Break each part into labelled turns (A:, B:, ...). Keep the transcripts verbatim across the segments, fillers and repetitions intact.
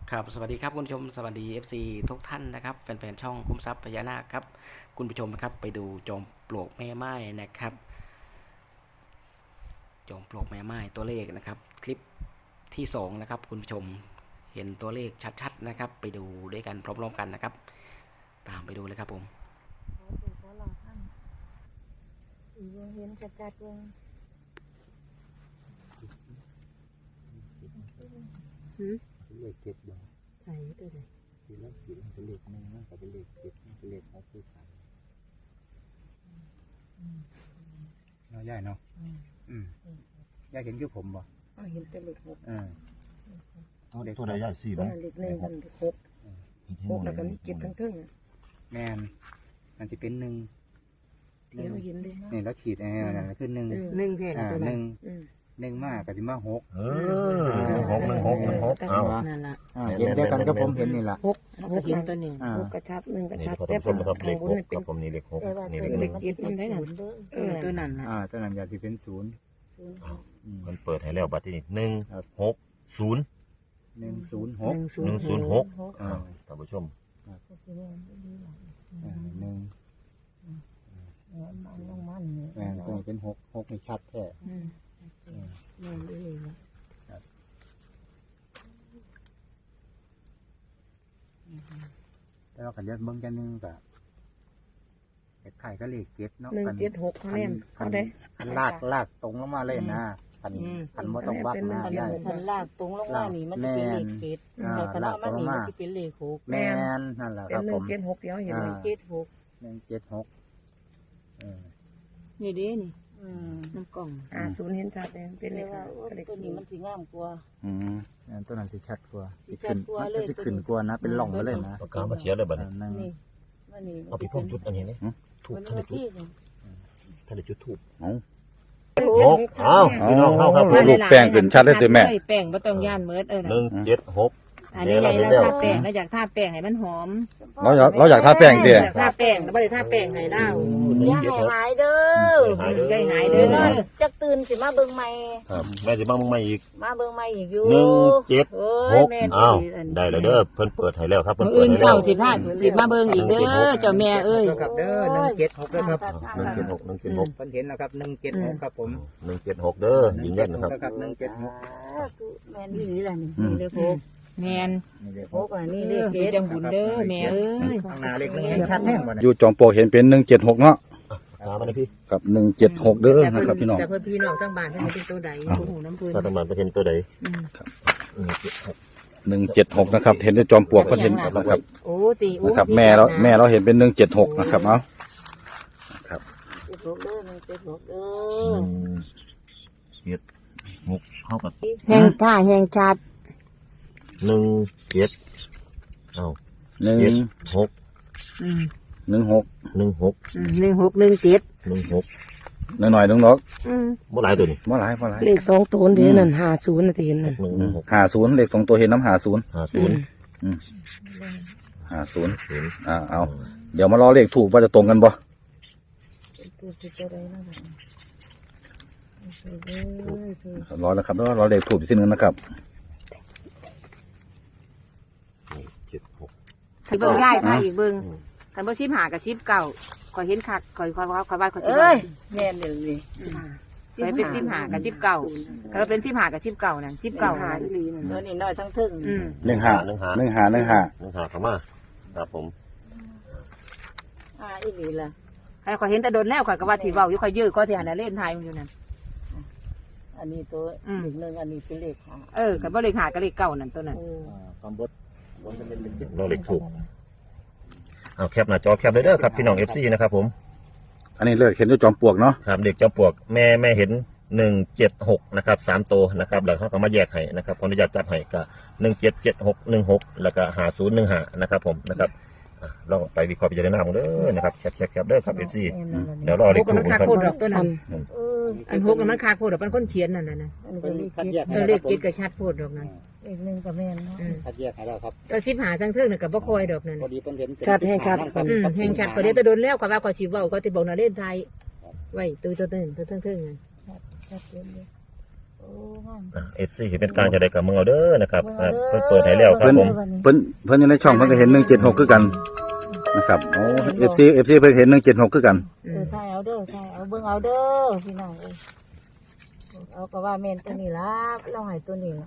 A: ครับสวัสดีครับคุณผู้ชมสวัสดี เอฟ ซี ทุกท่านนะครับแฟนๆช่องคุ้มทรัพย์พญานาคครับคุณผู้ชมนะครับไปดูจอมปลวกแม่ไม้นะครับจอมปลวกแม่ไม้ตัวเลขนะครับคลิปที่สองนะครับคุณผู้ชมเห็นตัวเลขชัดๆนะครับไปดูด้วยกันพร้อมๆกันนะครับตามไปดูเลยครับผม
B: เห็นจัดๆเลย
C: เลขเจ็ดบาท
B: ใส่ตัวไหน
C: ทีละขีดเป็นเลขหนึ่งนะกับเป็นเลขเจ็ดเป็นเลขหกคือสามเนาะย่ายเนาะอืมย่ายเห็นคือผมบ่
B: อ๋อเห็นแต่เลขหก
C: อ่า
D: ตัวเด็กตัวใดย่ายสี่
B: ตัว
D: บ้าง
B: เลขหนึ่งกับเลขหกหกแล้วก็มีเจ็ดทั้งครึ่ง
C: แมนมันจะเป็นหนึ่ง
B: เที่ยวเห็นเลย
C: นี่แล้วขีดอะไรนั่นคือหนึ่ง
B: หนึ่งเท่า
C: อ่า
B: ตัว
C: ห
B: นั้
C: นึ่
B: น
C: งหนึ่งมากกับที่มาหก
D: เออหนึ่งหกหนึ่งหกหนึ่งหกเอา
B: นั่นแหละ
C: อ่าเห็นเดียวกันก็ผมเห็นนี่แหละ
B: หกหกเห็นตัวนี้หกกระชับหนึ่งกระ
D: นี่
B: ชับ
D: พอ
B: แต่
D: ท่านผู้ชมนะครับเลข
B: ข้างบ
D: ห
B: น
D: ก
B: เป็
D: คน รับผมนี่เลขหกนี่เลขห
B: เล
D: นึ่
B: ข
D: ง
B: เจ็ดมันได้หนัเออตัวนั้นน่ะ
C: อ่าตัวนั้นอยากจะเป็นศูนย์
D: มันเปิดให้แล้วบัตรที่นี่หนึ่งหกศูนย์
C: หนึ่งศูนย์ห
B: ห
C: ก
B: นึ่งศู
D: หนึ่
B: น
D: ง
B: ย์
D: ศูนย์หก
C: อ่า
D: ท่านผู้ชม
C: อ่าหนึ่งแมนตัวนี้เป็นหกหกในชัดแท้
B: อืมแม่ได้เลยนะ
C: แต่เราขันยัดเบิ้งกันนึงแบบเด็กไข่ก็เลขเจ็ดเนาะ
B: หนึ่งเจ็ดหกเขาเล่มเขาได้
C: คันลากลากตรงลงมาเลยนะคันคันบ่ต้องวัดนะได้
E: คันลากตรงลงมานี่มันจะเป็นเลขเจ็ด
C: อ่า
E: แต่คัน
C: ลา
E: เอา
C: กต
E: มา
C: รงลง
E: นี่
C: มา
E: มันจะเป็นเลขหก
C: แมนนั่นแหละ
B: เป็
C: คน รับ
B: หนึ่
C: ผ
B: ง
C: ม
B: เจ็ดหกเดียวเห็นเลย
E: เจ็ดหก
C: หนึ่งเจ็ดหกเออ
E: นี่เด้นี่น้ำกล่อง
B: อ่าศูนย์เห็นชัดเลยเป็นเล
E: เรีย
B: ข
E: กว่าโอ้ย
B: เลข
E: ตัว
B: ศู
E: นี้
B: น
E: มัน
B: ย์
E: สีงามกว่า
C: อืมอันตัวนั้นสิชัดกว่า
E: สิชัดกว่าเลย
C: สิขึ้นกว่านะเป็นหล่องไปเลยนะ
D: ปากกามาเขียนเลยบัตร
C: อ่านั่ง
E: นี่มันนี่
D: เอาไปพ่นจุดอันนี้นี่ถูก
E: มัน
D: ท่าน
E: มา
D: ได้จุด
E: ที่นี่
D: ท่านได้จุดถูก
B: หก
D: เอาพี่น้องเข้าครับ
F: รูปแป้งขึ้นชัดเลยตัวแม่
E: แป้งบ่ต้องย่านเมิดเออ
D: หนึ่งเจ็ดหก
E: อันนี้ไงเราทาแป้งเราอยากทาแป้งให้มันหอม
F: เราอยากเราอยากทาแป้งเตี้ย
E: อยากทาแป้งแต่ไม่ได้ทาแป้งให้เล่า
D: หนึ่
E: อง ย่า
D: เจ็ด
E: ให้
D: หก
E: หายเด้อ
D: หายเด้อ
E: ใจหายเด้อจักตื่นสิมาเบิ่งใหม่
D: ครับแม่จะบ้างมึงมาอีก
E: มาเบิ่งใหม่อีกอยู่
D: หนึ่งเจ็ด
E: เอ้
D: ห
E: ย
D: ก
E: แม่
D: อ้าวได้แล้วเด้อเพิ่นเปิดให้แล้วครับเพิ่น
E: มื้อ
D: เปิด
E: อื่น
D: ให้แล้
E: เช้าว สิพาสิมาเบิ่งอีกเด้อเจ้าแม่เอ้ย
C: ครับเด้อหนึ่งเจ็ดหกเด้อครับ
D: หนึ่งเจ็ดหกหนึ่งเจ็ดหก
C: เพิ่นเห็นแล้วครับหนึ่งเจ็ดหกครับผม
D: หนึ่งเจ็ดหกเด้อยืนยันนะครับ
C: ครับหนึ่งเจ็ดหก
E: แม่นี่นี่แหละนี่เลขหกแม่น
C: นี่เลข
E: ห
C: ห
E: ก
C: ก
E: อ่ะนี่เลขเจ็ดจังบุญเด้อแม่เอ้ย
C: ข้างหน้าเลขหนึ่งเห็นชัดแน่บ่
F: อ
C: เนี่ย
F: ยู่จอมปลวกเห็นเป็นหนึ่งเจ็ดหกเนาะ
D: ตามมาเลยพี่
F: กับหนึ่งเจ็ดหกเด้อนะครับพี่น้อง
E: แต่เพื่อนพี่น้องทั้งบ้านทั้งเป็นตัวใดผู้หูน้ำพื้น
D: ถ้าตำรวจไปเห็นตัวใด
F: หนึ่งเจ็ดหกนะครับเห็นในจอมปลวกเพิ่นเห็นนะครับ
E: โอ้ตีโอ้
F: นะครับ แม่เราแม่เราเห็นเป็นหนึ่งเจ็ดหกนะครับเอาครับ
E: เจ็ดหกเด้อหนึ่งเจ็ดหกเด้
D: ห
E: อ
D: นึ่งเจ็ดหกเข้ากับ
E: แห่งท่าแห่งชาติ
D: หนึ่งเจ็ดเอ้า
F: หนึ่ง
D: เจ็ดหก
F: หนึ่งหก
D: หนึ่งหก
E: หนึ่งหกหนึ่งเจ็ด
D: หนึ่งหก
F: หน่อยหน่อยหนึ่งดอก
D: บ่หลายตัวนี่
F: บ่หลายบ่หลาย
B: เลขสองตัวเดียวนั่นห้าศูนย์นาทีนั่น
D: หนึ่งหนึ่งหก
F: หาศูนย์เลขสองตัวเห็นน้ำหาศูนย์
D: ห้าศูนย์
F: หาศูนย์
D: ศูนย์
F: อ่าเอาเดี๋ยวมารอเลขถูกว่าจะตรงกันบ่รอแล้วครับรอเลขถูกอีกทีนึงนะครับ
D: เจ็ดหก
E: ที่เบิ่งง่ายท่าอีกเบิ่งคันบ่ชิมหากับชิมเก่าคอยเห็นคักคอยคอยคอยว่าคอยสิ
B: เอ้ยแม่เดี๋ยวนี้
E: คอยเป็นชิมหากับชิมเก่าคันเราเป็นชิมหากับชิมเก่านั่นชิมเก่า
B: หา
E: นั่น
B: อีหลีนั่น
E: เออนี่น้อยทั้งทึ่งอืม
F: หนึ่งหา
D: หนึ่งหา
F: หนึ่งหาหนึ่งหา
D: หนึ่งหาเข้ามาครับผม
E: อ่าอีหลีล่ะใครคอยเห็นแต่โดนแล้วคอยก็ว่าที่เว้าอยู่คอยยื้อก็ที่หันเล่นทายมันอยู่นั่น
B: อันนี้ตัว
E: อืม
B: เลขหนึ่งอันนี้เป็นเลขห้า
E: เออกับบ่เลขหากับเลขเก่านั่นตัวนั้น
C: ความบดบดเป็นเลขเจ็ด
D: เราเล็กถูกเอาแคปหน้าจอแคปเลยเด้อครับพี่น้องเอฟซีนะครับผม
F: อันนี้เลขเห็นด้วยจอมปลวกเนาะ
D: ครับเด็กเจ้าปวกแม่แม่เห็นหนึ่งเจ็ดหกนะครับสามตัวนะครับแล้วเขาก็มาแยกให้นะครับขออนุญาตจับให้ก็หนึ่งเจ็ดเจ็ดหกหนึ่งหกแล้วก็หาศูนย์หนึ่งหานะครับผมนะครับอ่ะลองไปวิเคราะห์พิจารณาของเด้อนะครับแคปแคปแคปเด้อครับเอฟซีเดี๋ยวรอ
E: พ
D: เล็
E: ว
D: ก
E: กมั
D: ถู
E: น
D: ก
E: คา
D: ครับ
E: โคตรดอกตัวนั้น
B: เออ
E: อันพวกมันคาโคตรดอกเป็นคนเขียนนั่นน่ะนะ
B: อันนี้เป็นเลข
C: คัด
B: เจ็
C: แย
B: ด
C: ก
E: เออเลขเจ็ดกับชัดโคตรดอกนั้น
B: เลขหนึ่งกับแม่นเนาะ
E: อืม
C: คัดแยกให้เราครับ
E: ก็ชิมหาทั้งเทิงน่ะกับบ่คอยดอกนั้น
C: พอดีเพิ่นเห็น
B: ชัดแห่งชัดก่อน
E: อืมแห่งชัดก็เดี๋ยวจะโดนแล้วก็ว่าก็สิเว้าก็สิบอกน่ะเล่นไทยไว้ตัวตัวนึงตัวทั้งเทิงนั่น
B: ชัดเจนเลยโอ้งาม
D: เอฟซีเป็นกลางจะได้กับมึงเอาเด้อนะครับครับเพิ่นเปิดให้แล้วครับผม
F: เพิ่นเพิ่นอยู่ในช่องเพิ่นก็เห็นหนึ่งเจ็ดหกคือกันนะครับโอ้เอฟซีเอฟซีเพิ่นเห็นหนึ่งเจ็ดหกคือกัน
B: เออถ่ายเอาเด้อถ่ายเอาเบิ่งเอาเด้อพี่น้องเอ้ยเอาก็ว่าแม่นตัวนี้ล่ะเราให้ตัวนี้ล่ะ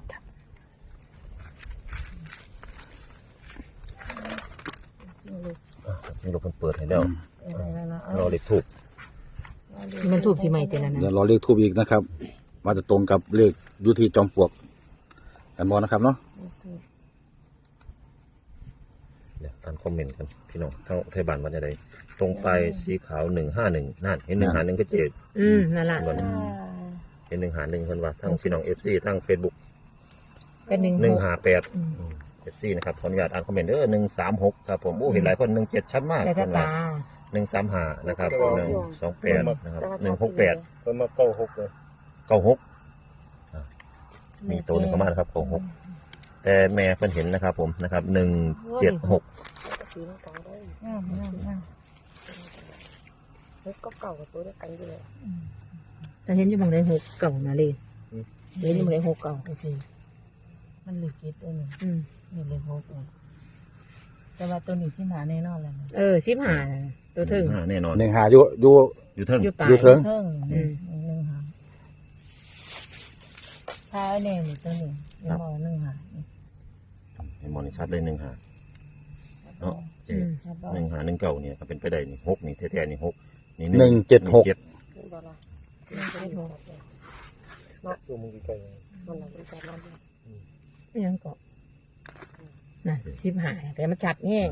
D: นี่เราเพิ่นเปิดให้แล้ว
B: เออนั่นล่ะเอา
D: รอเลขทูบ
E: มันทูบสิใหม่แต่ละนั้น
F: เดี๋ยวรอเลขทูบอีกนะครับว่าจะตรงกับเลขอยุทีจอมปลวกกันบ่นะครับเนาะ
D: เดี๋ยวตามคอมเมนต์กันพี่น้องทั้งไทยบ้านว่าจะได้ตรงปลายสีขาวหนึ่งห้าหนึ่งนั่นเห็นหนึ่งหาหนึ่งก็เจ็ด
E: อืมนั่นล่ะ
D: เห็นหนึ่งหาหนึ่งคนว่าทั้งพี่น้องเอฟซีทั้งเฟซบุ๊ก
E: เป็นหนึ่ง
D: หนึ่ง
E: หก
D: หาแปดเอฟซีนะครับขออนุญาตอ่านคอมเมนต์เด้อหนึ่งสามหกครับผมโอ้เห็นหลายคนหนึ่งเจ็ดชัดมาก
E: แต่
D: ค
E: ถ้าน
D: ว่า
E: ตา
D: หนึ่งสามหานะครับหนึ่งสองแปดนะครับหนึ่งหกแปด
C: เพิ่นมาเก้าหกเลย
D: เก้าหกมีตัวหนึ่งเข้ามานะครับเก้าหกแต่แม่เพิ่นเห็นนะครับผมนะครับหนึ่งเจ็ดหก
B: งามงามงามเฮ้ยก็เก่ากับตัวเดียวกันอยู่เลย
E: จะเห็นอยู่หมองใดหกเก่านะเลยเห็นอยู่หมองใดหกเก่าโอเค
B: มันเหลือกิดตัวหนึ่ง
E: อืม
B: นี่เลยหกเลยแต่ว่าตัวนี้ที่หาแน่นอนแล้วนะ
E: เออสิบห้าตัวถึง
D: อ่าแน่นอน
F: หนึ่งหาอยู่อยู่
D: อยู่เทิง
E: อยู่ปลาย
F: อยู่เทิง
B: เพิ่ง
E: อืม
B: หนึ่งหาถ้าเอาแน่นี่ตัวนี้ยังบอกหนึ่งหา
D: เห็นมอนี่ชัดเลยหนึ่งหาเนาะเจ็
E: อื
D: ด
E: ม
B: ครับบอ
D: หนึ่งหาหนึ่งเก้าเนี่ยก็เป็นไปได้นี่หกนี่แท้ๆนี่หกนี่
F: หนึ่งเจ็ดหก
D: เจ็ด
B: กล่ะหนึ่งเจ็ดหก
C: ตัวมึงใกล้
B: มันหลังจากนั้น
E: ยังก็น่ะสิบห้าแต่มันชัดแห้ง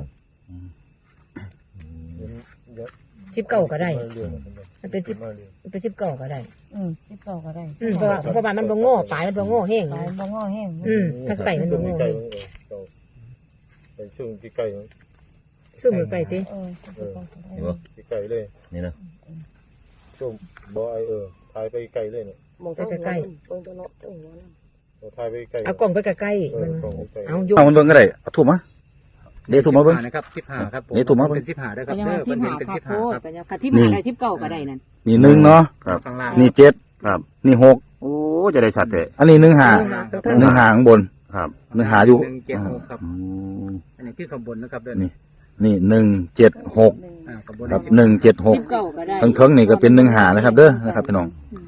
C: เยอะ
E: สิบเก้าก็ได้
C: เรื่อย
E: มันเป็นสิบ
C: มาเรื่อย
E: มันเป็นสิบเก้าก็ได้
B: อืมสิบเก้าก็ได้
E: อืมเพราะว่าเพราะว่ามันบ่โง่ปลายมันบ่โง่แห้ง
B: ปลายบ่งอแห้ง
E: อืมทั้งไก่มันบ่โง่
C: ใกล้
E: แห้ง
C: เป็นช่วงที่ใกล้
E: สู้มือไก่ติ
B: เออสิบเก้าก็ได้
D: เห็นปะ
C: ที่ใกล้เลย
D: นี่นะ
C: ช่วงบ่ไอเออทายไปไกลเลยเนี่ย
B: มองใกล้ๆเบิ่งตัวเนาะตัวหัวนั่น
C: เราทายไปไกล
E: เอากล่องไปใกล้ๆมัน
C: เออกล่องใกล้
E: เอายก
F: เอามันเบิ่งก็ได้เอาถูกมั้ยเดี๋ยวถูกมาเบิ่ง
C: นะครับสิบห้าครับผม
F: นี่ถูกมั้ย
C: เป็นสิบห้าด้วยค
E: ก็
C: รับ
E: ยัง
C: เด้
E: ว่า
C: อ
E: สิบ
C: เป็น
E: ห้า
C: เป็น
E: ค่ะ
C: สิบ
E: โพ
C: ห้า
E: ด
C: ครับ
E: ก็ยังค่ะที่มาได้สิบเก้าก็ได้นั่น
F: นี่หนึ่งเนาะ
D: ครับ
C: ข้างล่าง
F: นี่เจ็ด
D: ครับ
F: นี่หก
D: โอ้จะได้ชัดเลย
F: อันนี้หนึ่งหา
E: เพิ่ม
F: หนึ่งหาข้างบน
D: ครับ
F: หนึ่งหาอยู่
C: หนึ่งเจ็ดหกครับ
D: อืม
C: อันนี้คือขบวนนะครับเด้อ
F: นี่ นี่หนึ่งเจ็ดหก
C: อ่าขบวน
F: ครับหนึ่งเจ็ดหก
E: สิบเก้าก็ได้
F: ทั้งเทิงนี่ก็เป็นหนึ่งหานะครับ เด้อนะครับพี่น้อง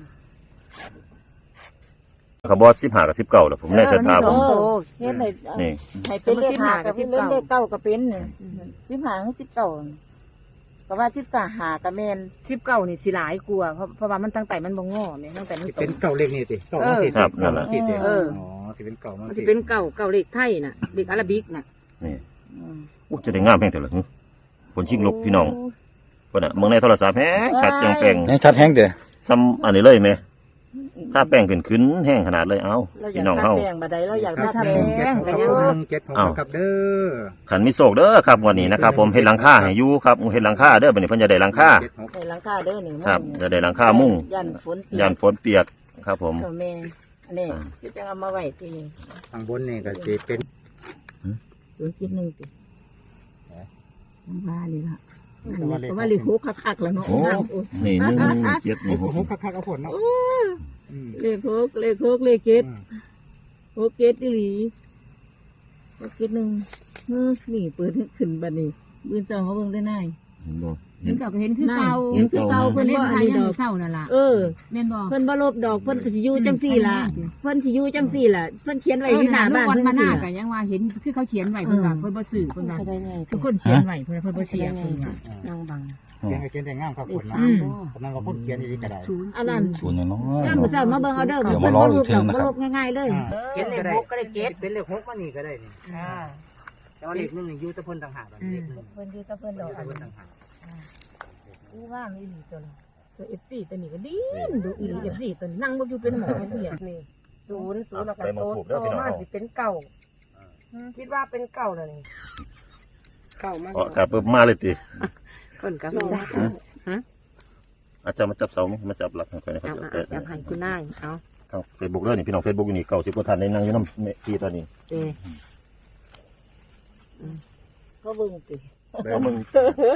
D: ขบอสสิบห้ากับสิบเก้าแล้วผมแน่ชะตาผม
B: โอ้เฮ็ดให้
D: นี่
B: ให้เป็นเลขห้ากับเป็นเลขเก้าก็เป็นเนี่ยสิบห้ากับสิบเก้าก็ว่าสิบเก้าหากับแม่น
E: สิบเก้านี่สิหลายกลัวาเพราะเพราะว่ามันตั้งแต่มันบ่งอแม่ตั้งแต่มันโต
C: เป็นเก่าเลขนี่สิเก่า
E: เออ
C: สิ
D: ครับนั่นแหละ
C: สิสิ
E: เออ
C: อ๋อสิเป็นเก่ามา
E: มัน
C: สิ
E: สิเป็นเก่าเก่าเลขไทยน่ะเลขอาราบิกน่ะ
D: นี่
B: อืม
D: อู้จะได้งามแพงเถอะเหรอหึคนชิงลกพี่น้องคนอ่ะเมืองในโทรศัพท์แฮงชัดจังแปลง
F: ยังชัดแห้งเด้อ
D: ซ้ำอันนี้เลยไหมถ้าแป้งขึ้นขึ้นแห้งขนาดเลยเอ้า
B: เราอยา
D: พี่
B: ก
D: น้อง
B: ทา
D: เฮา
B: แป้งบัดใดเราอยาก
C: ครั
B: ทา
C: บ
B: แป้ง
C: หนึ่งเจ็ดหกครับหนึ่งเจ็ดหก
D: อ้าว
C: ครับเด้อ
D: ขันมีโศกเด้อครับวันนี้นะครับ ผมเฮ็ดหลังคาให้อยู่ครับเฮ็ดหลังคาเด้อบัดนี้เพิ่นจะได้หลังคา
C: เจ็ดหก
B: ให้หลังคาเด้อนี่
D: ครับจะได้หลังคามุ้ง
B: ยันฝนเปี
D: ยานฝนเปียกครับ ผม
B: กับแม่อันนี้ที่จะเอามาไว้ที่นี่
C: ข้างบนนี่ก็จะเป็น
B: ตัวคิดหนึ่งติน้ำปลานี่ละเพราะว่าลิหุกคักๆแล้วเนาะ
D: โอ้นี่หนึ่งเจ็ดนี่หก
C: หกคักๆเอาผลเนาะอืม
B: เลขหกเลขหกเลขเจ็ดหกเจ็ดอีหลีหกเจ็ดหนึ่งเฮ้อนี่เปิดขึ้นบัดนี้บืนเจ้าเขาเบิ่งได้น่าย
D: เห็นบ่
E: เห็นเก่าก็เห็นคือเก่า
B: เห็นคือเก่า
E: เพิ่
B: เพิ่
E: น
B: น
E: เล่น
B: บ่
E: ไท
B: อัน
E: ย
B: นี้
E: ยัง
B: ดอก
E: เศร้านั่นล่ะ
B: เออ
E: แม่นบ่
B: เพิ่นบ่ลบดอกเพิ่นสิอยู่จังซี่ล่ะเพิ่นสิอยู่จังซี่ล่ะเพิ่นเขียนไว้
E: เออ
B: ที่ห
E: น่ะ
B: น้า
E: ลูก
B: บ้าน
E: วัน
B: เพิ่
E: มานห
B: สิ
E: น้าก็ยังว่าเห็นคือเขาเขียนไว้เพิ่นว่าเพิ่นบ่ซื้อเพิ่นว่า
B: ได้ไง
E: ทุกคนเขียนไว้เพิ่นเพิ่นบ่เสียเพิ่นว่า
B: นั่งบัง
C: เขียนก็เขียนได้งามครับผล
B: เลข
C: เนาะ
B: สามบ่
C: กำลังว่าพูดเขียนอีกก็ได้
B: อันนั้น
F: ศูนย์อย่างน้อย
B: ย่ามมื้อเช้ามาเบิ่งเอาเด้อ
F: เดี๋ยว
B: เพิ่
F: มาน รอ
B: บ่
F: อี
B: ล
F: ก
B: บ
F: ที
B: ดอก
F: นะ
B: บ่
F: ครับ
B: ลบง่ายๆเลย
C: เขียนได้หกก็ได้เจ็ดเป็นเลขหกมานี่ก็ได้นี่
B: อ่า
C: แต่ว่าเลขหนึ่งนี่อยู่แตะพ่นต่างหากเลขหนึ่ง
B: เพิ่นอยู่กับเพิ่นดอกอัน
C: เพิ่น
B: นี้
C: ต่างหาก
B: อู้ว่างอีหลีตัวละ
E: ตัว เอฟ ซี ตัวนี้ก็ดีดูอีหลี เอฟ ซี ตัวนี้นั่งบ่อยู่เป็นหมอเพิ่นเหี้ย
B: นี่ศูนย์ศูนย์แล้วก็
D: ไปมา
B: โต
D: ถูกเด้
B: โต
D: อพี่น้อง
B: มา
D: เฮา
B: สิเป็นเก่าคิดว่าเป็นเก่าแล้วนี่เก่ามา
D: อ๋อกลับปึ๊บมาเลยติ
E: คนก็
B: จัก
D: อาจารย์มาจับเสามั้ยมาจับหลักให้ค่อยนะครับ
E: เอาเอาให้คุณนายเอา
D: ทาง Facebook เด้อนี่พี่น้อง Facebook อยู่นี่เก้าสิบกว่าท่านในนั่งอยู่นำพี่ตอนนี้
E: เด้
B: เขาเบิ่งติ
D: แล้วมึง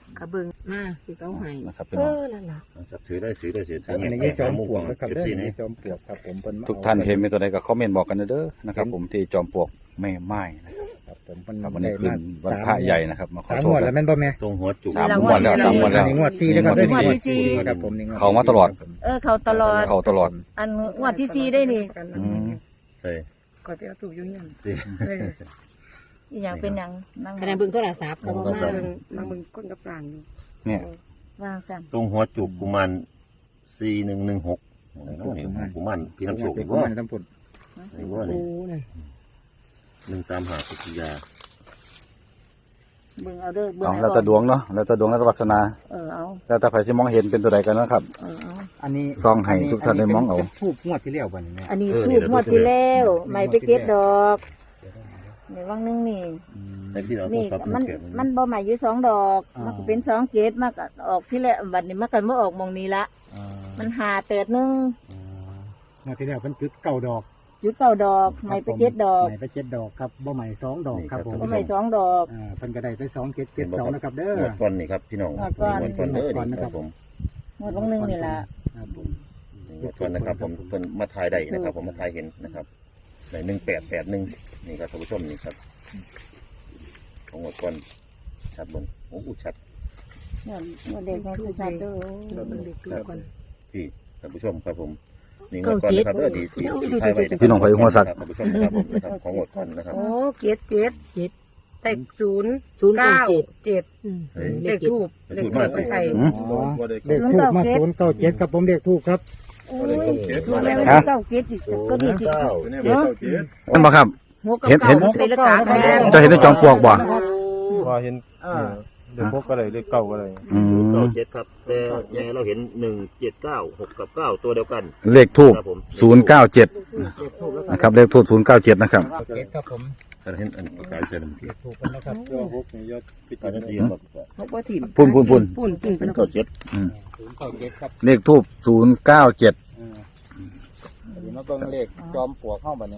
E: กระเบิงมาสิเขาให้
F: นะครับพี่
E: เอ
F: น้อง
E: อนั่นล่ะ
D: จับถือได้ถือได้เสีย
C: อันนี้จอมปลวกนะครับเด้อนี่จอมปลวกครับผมเพิ่นม
F: ทุกท่านเห็นเป็นตัวใดก็คอมเมนต์บอกกันเด้อนะครับผมที่จอมปลวกแม่ไม้นะครับ
C: ครับผมเพิ่น
F: ครับวันนี้คืนวันพระใหญ่นะครับมาขอ
C: สาม
F: โช
C: ง
F: คว
C: ดแล้วแม่นบ่แม่
D: ตรงหัวจุก
F: สามงวดแล้วสามงวดแล้ว
C: งวดสี่นะครับ
F: งวดที่สี่
C: ครับผมนี่งวด
F: เขามาตลอด
B: เออเขาตลอด
F: เขาตลอด
B: อันงวดที่สี่ได้นี่
F: อืม
D: ใช่
E: ก็ไปเอาตู้อยู่เฮียน
B: อีหยังเป็นหยังนั่ง
E: ขณะเบิ่งโทรศัพท์ก็บ่มา
B: นั่งมึงคนกับจางอยู่
F: เนี่ย
B: วางจัน
D: ตรงหัวจุกกุมารสี่หนึ่งหนึ่งหกนี่กุมารพี่น้ำโชค
C: เป็
D: อี
C: น
D: ก
C: กุ
D: ว่า
C: มารน้ำปุ่น
D: อีกว่านี่
E: โอ้นั่น
D: หนึ่งสามหาปิทยา
B: เบิ่งเอาเด้อเบิ่ง
F: เอา
B: ให้
F: แล้วแต่ดวงเนาะแล้วแต่ดวงแล้วแต่วาสนา
B: เออเอา
F: แล้วแต่ใครที่มองเห็นเป็นตัวใดกันนะครับ
B: เออเอา
C: อันนี้
F: ซองให้ทุกท่านได้มองเอา
C: ทูบงวดที่แล้วบ่นี่แม่
B: อันนี้ทูบงวดที่แล้วไม่ไปเก็บดอกในวังนึงนี่
D: แต่ที่เราโทร
B: นี่
D: ศัพท์
B: มัน
D: เก็บ
B: มันบ่ใหม่อยู่สองดอก มันก็เป็นสองเกตมากออกที่แรกบัดนี้มันก็มาออกหมองนี้ละ มันหาเติดหนึง
C: งวดที่แล้วเพิ่นจุดเก้าดอก
B: อยู่เก้าดอกไม่ไปเก็บดอก
C: ใหม่ไปเจ็ดดอกครับบ่ใหม่สองดอกครับผม
B: บ่ใหม่สองดอก
C: อ่าเพิ่นก็ได้ไปสองเจ็ดเจ็ดสองนะครับเด้อ
D: หมดก่อนนี่ครับพี่น้อง
B: งวดก่อน
D: หมดก่อนเด้อนี่ครับผม
B: งวดวังนึงนี่ล่ะ
C: ครับผม
D: หมดก่อนนะครับ ผมเพิ่นมาถ่ายได้นะครับ ผมมาถ่ายเห็นนะครับในหนึ่งแปดแปดหนึ่งนี่ครับท่านผู้ชมนี่ครับของหมดก่อนชัดบนโอ้โหชัด
B: งวดงวดเด็กแม่คือชัดเด้อ
E: เบิ่งเด็กตู้ก่อน
D: พี่ท่านผู้ชมครับผมนี่หมดก่อนนะครับเด้อดีที่ที่ถ่ายไว้ะครับ
F: พี่น้องไผ่หัวสัก
D: ท่านผู้ชมนะครับผมนะครับของหมดก่อนนะครับ
E: โอ้เจ็ดเจ็ดเจ็ดแต่ศูนย์
B: ศูนย์เก้า
E: เก้าเจ็ด
D: เฮ้ย
E: เลขทูบเลขทูบไปไทย
F: อืม
C: อ๋อเลขทูบมาศูนย์เก้าเจ็ดครับผมเลขทูบครับ
B: โอ้ยถูกแล้วเก้าเกตอีกก็ดีจิ
D: เก้า
B: เนาะ
F: นั่นบ่ครับ
B: หัวกับ
F: เห็นเห็น
B: เก้าเป็นละกาแทน
F: เจะเห็นในจอมปลวกบ่
G: ว่าเห็นเด็กพกอะไรเด็กเก่าอะไร
F: อื
D: เก้าม เจ็ดครับแต่ยังไงเราเห็นหนึ่งเจ็ดเก้าหกกับเก้าตัวเดียวกัน
F: เลขทูบ
D: ครับผม
F: ศูนย์เก้าเจ็ดนะครับเลขทูบศูนย์เก้าเจ็ดนะครับ
C: เจ็ดครับผม
D: ถ้าเห็นอันประกาศเสร็จแล้ว
C: เลขทูบกันนะครับ
G: ยอดพกนี่ยอดปิด
D: อาจจะสีแบบ
E: พบว่าถิ่ม
F: พุ่นพุ่นพุ่น
E: ปุ่นกิ่ง
D: เป็
E: เป็น น
D: เก้าเจ็ด
C: ศูนย์เก้าเจ็ดครับ
F: เลขทูบศูนย์เก้าเจ็ด
C: เดี๋ยวมาเบิ่งเลขจอมปลวกเข้าบัดนี้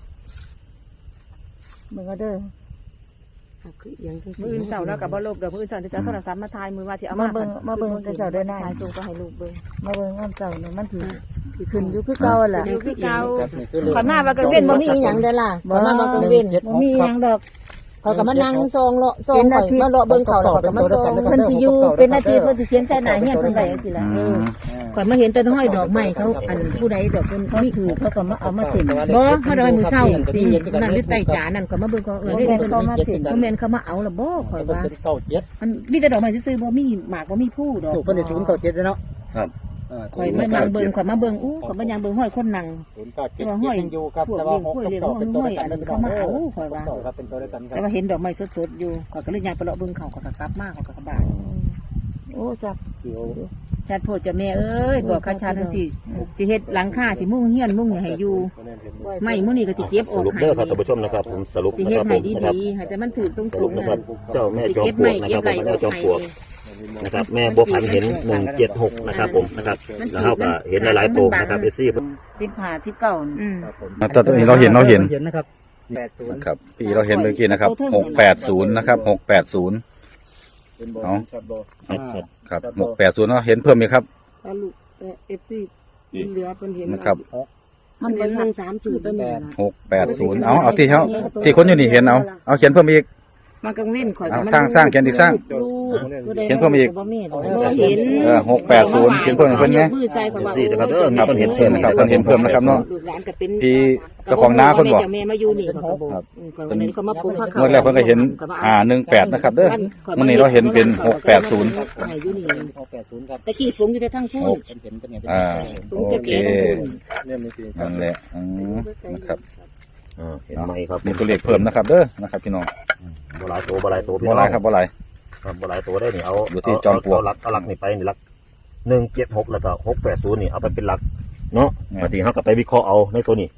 B: มึงก็เด้อ
E: คือเอียงจัง
H: มืออื่นเสาร์แล้วกับบ่ลบเดี๋ยวมืออื่นเสาร์จะเอาโทรศัพท์มาถ่ายมือว่าที่เอา
B: มา
H: มา
B: เบิ่งมาเบิ่งแต่เจ้าเด้อได้
H: ถ่ายส่งก็ให้ลูกเบิ่ง
B: มาเบิ่งงามเจ้าเนี่ยมันถือขึ้นอยู่คือเก่าล่ะ
E: ยังคือเก่า
C: ครับนี่คือเลข
H: ขอนมาว่ากลางเว้นบ่มีอีหยังเด้อล่ะขอนมาว่ากลางเว้น
B: บ่มีหยังดอก
H: เขาก็มานั่งซองเลาะซองข่อยมาเลาะเบิ่งเขาแล้วเขาก็มาซอง
B: เพิ่นสิอยู่เป็นอาทิตย์เพิ่นสิเขียนใส่หน้าเฮียนเพิ่นไว้จังซี่ล่ะ
F: อืม
E: ข่อยมาเห็นต้นห้อยดอกไม้เขาอันผู้ใดดอกเพิ่น
B: เขา
E: มี
B: ถือเขาก็มาเอามาสิน
E: บ่เขาดอกไม้มือเศร้านั่นหรือไต่จานั่นข่อยมาเบิ่งเขาเออได้เพิ่น
B: เขามาสิน
E: เขาแม่นเขามาเอาละบ่ข่อยว่า
C: เป็นเก้าเจ็ด
E: มันมีแต่ดอกไม้ซื่อๆบ่มีหมากบ่มีผู้ดอก
C: ถูกเป็นศูนย์เก้าเจ็ดเนาะ
D: ครับ
E: ข่อยมานั่งเบิ่งข่อยมาเบิ่งอู้ข่อยมายังเบิ่งห้อยคนนั่ง
C: ศูนย์เก้าเจ็ดยังอยู่ครับแต่ว่าหกกับเก้าเป็นตัวเดียวกันเป็นตัวเดียวครับเป็นตัวเดียวกันค
E: แต่
C: รับ
E: ว่าเห็นดอกไม้สดๆอยู่ข่อยก็เลยย่างไปเลาะเบิ่งเขาข่อยก็กลับมาข่อยก็กลับบ้าน
B: โอ้จับ
E: ชัดโพดจ้ะแม่เอ้ยบอกข้าชาทั้งสิสิเฮ็ดหลังคาสิมุ่งเฮียนมุ่งให้อยู่ไม่มุ่งนี่ก็สิเก็บอ
D: ส
E: อก
D: รุป
E: ให้
D: เด้อครับท่านผู้ชมนะครับ ผมสรุป
E: สิ
D: นะ
E: เฮ็
D: ค
E: ด
D: รับผ
E: ให้
D: มนะครับ
E: ดีๆให้แต่มันถือตรง
D: ส
E: ๆ
D: รุปนะครับ เจ้าแม่
E: สิ
D: จอม
E: เก็บ
D: ปลว
E: ไม่
D: กนะค
E: เก็
D: รั
E: บบ ไหล
D: ผมแม่จอมปลวกนะครับ แม่บัวพันธุ์เห็นหนึ่งเจ็ดหกนะครับ ผมนะครับแล้วเขาก็เห็นหลายๆตัวนะครับเอฟซี
B: สิบห้าสิบเก้า
E: อืม
F: แต่ตัวนี้เราเห็นเราเห็น
C: เห็นนะครับแปดศูนย์
F: นะครับพี่เราเห็นเมื่อกี้นะครับหกแปดศูนย์นะครับหกแปดศูนย์
G: เป็นบอล
F: เอา
G: ชัดบอล
D: ครับครับ
F: ครับหกแปดศูนย์เนาะเห็นเพิ่มไหมครับ
H: ถ้าลูกเอฟซีเหลือเพิ่นเห็น
F: นะครับ
H: มันเป็นทางสามจุดแม่
F: หกแปดศูนย์เอาเอาที่เขาที่คนอยู่นี่เห็นเอาเอาเขียนเพิ่มอีก
H: มันกังเว้นข่อย
F: เอาสร้างสร้างเขียนอีกสร้าง เขียนเพิ่มอีก
B: บ่มีดอก
H: บ่เห็น
F: เออหกแปดศูนย์เขียนเพิ่มอีกเพิ่มไหม
H: มือใส่ข่อย
D: เอฟ
H: ว่า
D: ซีนะครับเด้อมีคนเห็น
F: เพิ่มนะครับคนเห็นเพิ่มนะครับเนาะ
H: ลูกหลานก็เป็น
F: พี่เจ้าของน้าคนบอก
H: แม่แม่มาอยู่นี่ข่อยก็บอก
F: ครับ
H: อืมข่อยวันนี้เขามาปลูกผัก
F: เมื่อแรกเพิ่นก็เห็นอ่าหนึ่งแปดนะครับเด้อมื่อนี้เราเห็นเป็นหกแปดศูนย์
H: ให้อยู่นี่
C: หกแปดศูนย์ครับ
H: ตะกี้ฝงอยู่แต่ทั้งคู่
F: หก
C: เป็นเห็นเป็นไง
F: อ่าโอเค
G: เนี่ยมีสี่
F: นั่นแหละอืมนะครับ
D: อ่าเห็นไหมครับ
F: มีตัวเลขเพิ่มนะครับเด้อนะครับพี่น้อง
D: บหลายตัวบหลายตัวพี่
F: บ่
D: น้อง
F: หลายครับบ่หลาย
D: ครับบหลายตัวได้นี่เอา
F: อยู่ที่จอมปลวก
D: เอาหลักเอาหลักนี่ไปนี่หลักหนึ่งเจ็ดหกแล้วก็หกแปดศูนย์นี่เอาไปเป็นหลักเนาะบางทีเขาก็ไปวิเคราะห์เอาในตัวนี้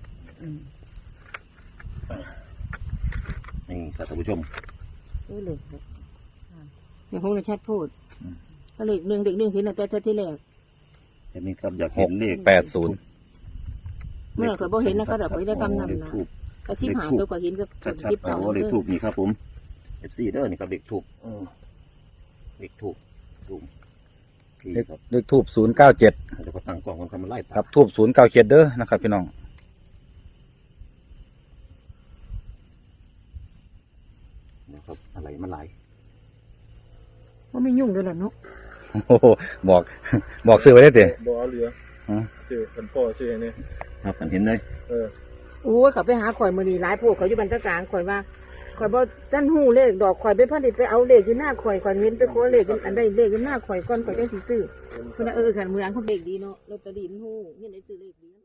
D: นี่ครับท่านผู้ชม
H: เออเลยเดี๋ยวคงจะชัดพูดก็เลขหนึ่งเด็กหนึ่งเห็นตั้งแต่เท่าที่แรก
D: เห็นไหมครับอยาก
F: ห
D: เห็
F: ก
D: นเลข
F: แปดศูนย์
H: เมื่อข่อยบ่เห็นนะเขาดอกข่อยได้คำนำ
D: เลข
H: นะ
D: ทูบ
H: กระซิบหาตัวกว่าเห็นก็
D: ชัด
H: ยิบ
D: ๆ
H: เอา
D: เอาเลขทูบนี่ครับผมเอฟซีเด้อนี่ครับเลขทูบ
C: เลขถูกถูกที่
F: เลข
C: ครับ
F: เลขทูบศูนย์เก้าเจ็ด
C: เดี๋ยวก็ตั้งกล้องกันทำมันไล่
F: ครับทูบศูนย์เก้าเจ็ดเด้อนะครับพี่น้อง
C: นะครับอะไรมันไหลาย
H: ว่าไม่ยุ่งด้วยล่ะเนาะ
F: โอ้โหบอกบอกซื้อไว้ได้เตะ
G: บ่เอาเหลือ
F: ฮะ
G: ชื่อคันพ่อชื่ออันนี้
C: ครับกันเห็นเลย
G: เออ
H: โอ้ยเขาไปหาข่อยมือนีหลายโพวกเขาอยู่บรรทัดกลางข่อยว่าข่อยบ่จันหูเลขดอกข่อยไปพันดิไปเอาเลขอยู่หน้าข่อยข่อยเห็นไปขอเลขอยู่อันใดเลขอยู่หน้าข่อยก่อนข่อยจังสิซื้อเพิ่นน่ะเออคันมือหลังเขาเลขดีเนาะลอตเตอรี่มันหูเงินได้ซื้อเลขดี